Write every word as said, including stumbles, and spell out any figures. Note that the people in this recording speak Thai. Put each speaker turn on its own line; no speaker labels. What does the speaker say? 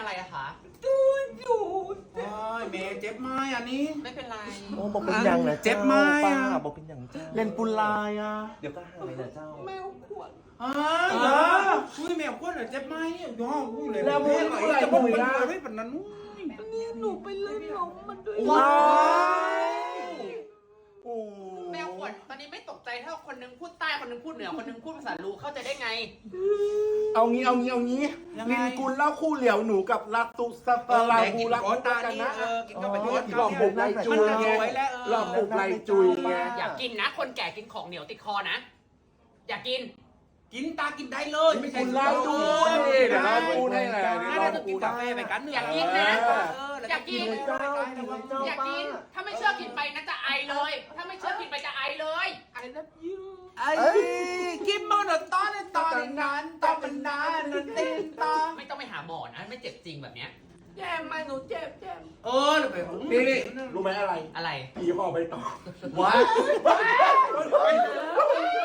อะไรอะคะ
ดูอยู่โอ้ยเมย์เจ็บไหมอันนี้
ไม่เป็นไร
โอ้บอกเป็นอย่างนะ
เจ็บไหม
ป้า
อ่ะ
บอกเป็นอย่างเจ้า
เล่นปุลายอ่ะ
เดี๋ยวก็หายนะเจ้า
แมวขวด
อ้าวเหรออุ้ยแมวขวดเหรอเจ็บไหมย่ออุ้ยเลย
แล้วมึง
ไอ้
อะไร
จะบอก
มึง
เป็น
นะ
อะไรแบบนั้นอุ้ย
นี่หนูไปเล่นล้มมันด้วย
ว้ายโอ้
แมวขวดตอนนี้ไม่ตกใจเท่าคนนึงพูดใต้คนนึงพูดเหนือคนนึงพูดภาษาลูเข้าใจได้ไง
เอางี้เอางี้เอางี้ลินกุลเล่าคู่เหลียวหนูกับลัตตุสตาลาบูรัก
ก้อนตา
กัน
นี่
นะ
เออกินกับประโยชน์
หลอกบุกในจุย
มัน
ไง
สวยแล้วเออ
หลอกบุกในจุยไง
อย่ากินนะ คนแก่กินของเหนียวติดคอนะ อย่ากิน
กินตากินได้เลยไม่ใช่
คุณเล่าด้วยเดี๋ยวเราพูดให้แหละเดี๋ยว
น่า
เรา
จะกินกาแฟไปกัน
อยากกินนะ อยากกิน
เจ้ากินเจ้า
อย่า
ป้า
กิน ถ้าไม่เชื่อกินไปนะจะไอเลย ถ้าไม่เชื่อกินไปจะไอเลยไอแล้วยืด
ไอ้กินมันตอนตอนนั้นตอนมันนานนนตินตา
ไม่ต้องไปหาหมอนะ ไม่เจ็บจริงแบบเนี้ย
แย่มาหนูเจ็บเจ็บเออไป
นี่นี่รู้ไหมอะไร
อะไร
ผีห่อใบตอง
ว้า